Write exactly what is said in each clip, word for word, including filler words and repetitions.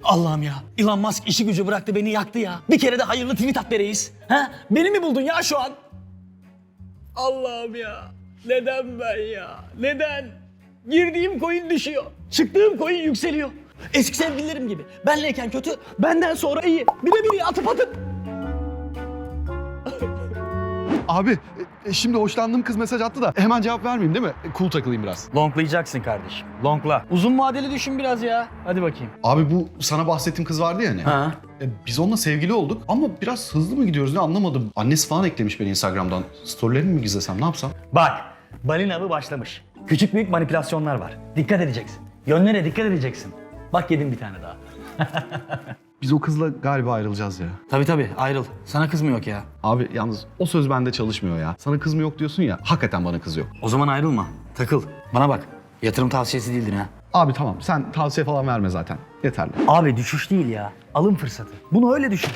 Allah'ım ya. Elon Musk işi gücü bıraktı beni yaktı ya. Bir kere de hayırlı tweet at be reis. Ha? Beni mi buldun ya şu an? Allah'ım ya. Neden ben ya? Neden? Girdiğim coin düşüyor. Çıktığım coin yükseliyor. Eski sevgililerim gibi. Benleyken kötü, benden sonra iyi. Bir de biri atıp atıp. Abi e, şimdi hoşlandığım kız mesaj attı da hemen cevap vermeyeyim değil mi? E, cool takılayım biraz. Longlayacaksın kardeşim. Longla. Uzun vadeli düşün biraz ya. Hadi bakayım. Abi bu sana bahsettiğim kız vardı ya hani. Ha. E, biz onunla sevgili olduk ama biraz hızlı mı gidiyoruz ne anlamadım. Annesi falan eklemiş beni Instagram'dan. Storylerimi mi gizlesem ne yapsam? Bak, balina avı başlamış. Küçük büyük manipülasyonlar var. Dikkat edeceksin. Yönlere dikkat edeceksin. Bak yedim bir tane daha. Biz o kızla galiba ayrılacağız ya. Tabii tabii ayrıl. Sana kız mı yok ya? Abi yalnız o söz bende çalışmıyor ya. Sana kız mı yok diyorsun ya. Hakikaten bana kız yok. O zaman ayrılma. Takıl. Bana bak. Yatırım tavsiyesi değildir ha. Abi tamam sen tavsiye falan verme zaten. Yeterli. Abi düşüş değil ya. Alım fırsatı. Bunu öyle düşün.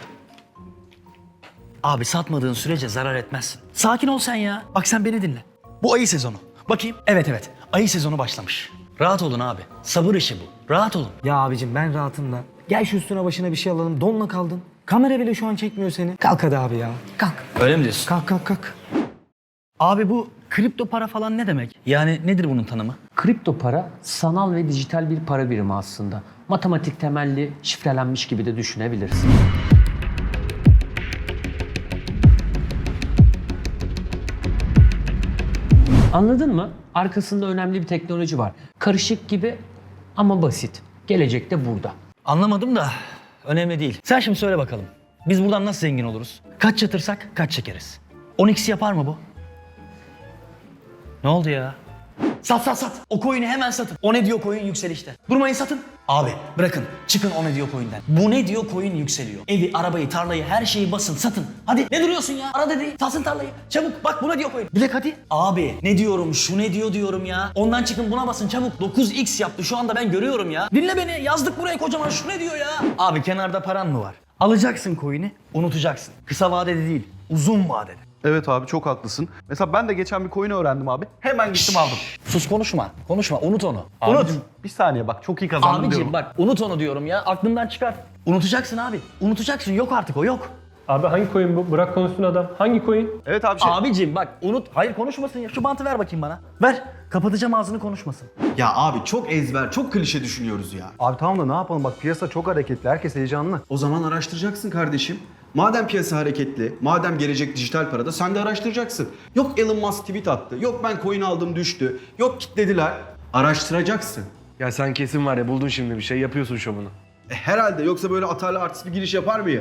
Abi satmadığın sürece zarar etmezsin. Sakin ol sen ya. Bak sen beni dinle. Bu ayı sezonu. Bakayım. Evet evet. Ayı sezonu başlamış. Rahat olun abi. Sabır işi bu. Rahat olun. Ya abicim ben rahatım da. Gel şu üstüne başına bir şey alalım. Donla kaldın. Kamera bile şu an çekmiyor seni. Kalk hadi abi ya. Kalk. Öyle mi diyorsun? Kalk kalk kalk. Abi bu kripto para falan ne demek? Yani nedir bunun tanımı? Kripto para sanal ve dijital bir para birimi aslında. Matematik temelli, şifrelenmiş gibi de düşünebilirsin. Anladın mı? Arkasında önemli bir teknoloji var. Karışık gibi ama basit. Gelecek de burada. Anlamadım da önemli değil. Sen şimdi söyle bakalım. Biz buradan nasıl zengin oluruz? Kaç yatırsak kaç çekeriz? on x yapar mı bu? Ne oldu ya? Sat sat sat. O coin'i hemen satın. O ne diyor coin yükselişte. Durmayın satın. Abi bırakın. Çıkın o ne diyor coin'den. Bu ne diyor coin yükseliyor. Evi, arabayı, tarlayı, her şeyi basın satın. Hadi ne duruyorsun ya? Ara dedi. Satsın tarlayı. Çabuk bak buna diyor coin. Bilek hadi. Abi ne diyorum şu ne diyor diyorum ya. Ondan çıkın buna basın çabuk. dokuz x yaptı şu anda ben görüyorum ya. Dinle beni yazdık buraya kocaman şu ne diyor ya. Abi kenarda paran mı var? Alacaksın coin'i unutacaksın. Kısa vadede değil uzun vadede. Evet abi çok haklısın. Mesela ben de geçen bir coin öğrendim abi. Hemen gittim aldım. Sus konuşma. Konuşma. Unut onu. Unut. Abicim, bir saniye bak çok iyi kazandım Abicim diyorum. bak unut onu diyorum ya. Aklından çıkar. Unutacaksın abi. Unutacaksın. Yok artık o yok. Abi hangi coin bu? Bırak konuşsun adam. Hangi coin? Evet abi şey... Abicim bak unut. Hayır konuşmasın ya. Şu bantı ver bakayım bana. Ver. Kapatacağım ağzını konuşmasın. Ya abi çok ezber, çok klişe düşünüyoruz ya. Abi tamam da ne yapalım bak piyasa çok hareketli, herkes heyecanlı. O zaman araştıracaksın kardeşim. Madem piyasa hareketli, madem gelecek dijital parada sen de araştıracaksın. Yok Elon Musk tweet attı, yok ben coin aldım düştü, yok kitlediler. Araştıracaksın. Ya sen kesin var ya buldun şimdi bir şey yapıyorsun şovunu. E, herhalde yoksa böyle atarlı artist bir giriş yapar mıyım?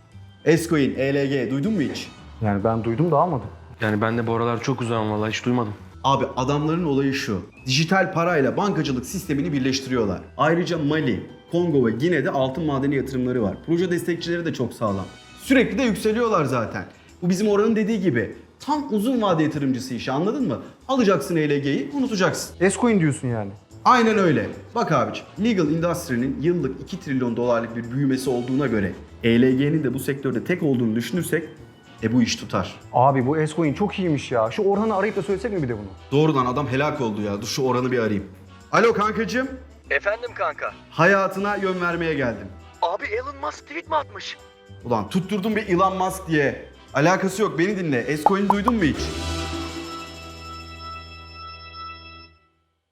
S-Coin, E L G duydun mu hiç? Yani ben duydum da almadım. Yani ben de bu aralar çok uzağım vallahi hiç duymadım. Abi adamların olayı şu. Dijital parayla bankacılık sistemini birleştiriyorlar. Ayrıca Mali, Kongo ve Gine'de altın madeni yatırımları var. Proje destekçileri de çok sağlam. Sürekli de yükseliyorlar zaten. Bu bizim oranın dediği gibi. Tam uzun vade yatırımcısı işi anladın mı? Alacaksın E L G'yi unutacaksın. S-Coin diyorsun yani. Aynen öyle. Bak abiciğim, Legal Industry'nin yıllık iki trilyon dolarlık bir büyümesi olduğuna göre E L G'nin de bu sektörde tek olduğunu düşünürsek e bu iş tutar. Abi bu S-Coin çok iyiymiş ya. Şu Orhan'ı arayıp da söylesek mi bir de bunu? Doğrudan adam helak oldu ya. Dur şu oranı bir arayayım. Alo kankacığım. Efendim kanka. Hayatına yön vermeye geldim. Abi Elon Musk tweet mi atmış? Ulan tutturdum bir Elon Musk diye. Alakası yok beni dinle. S-Coin duydun mu hiç?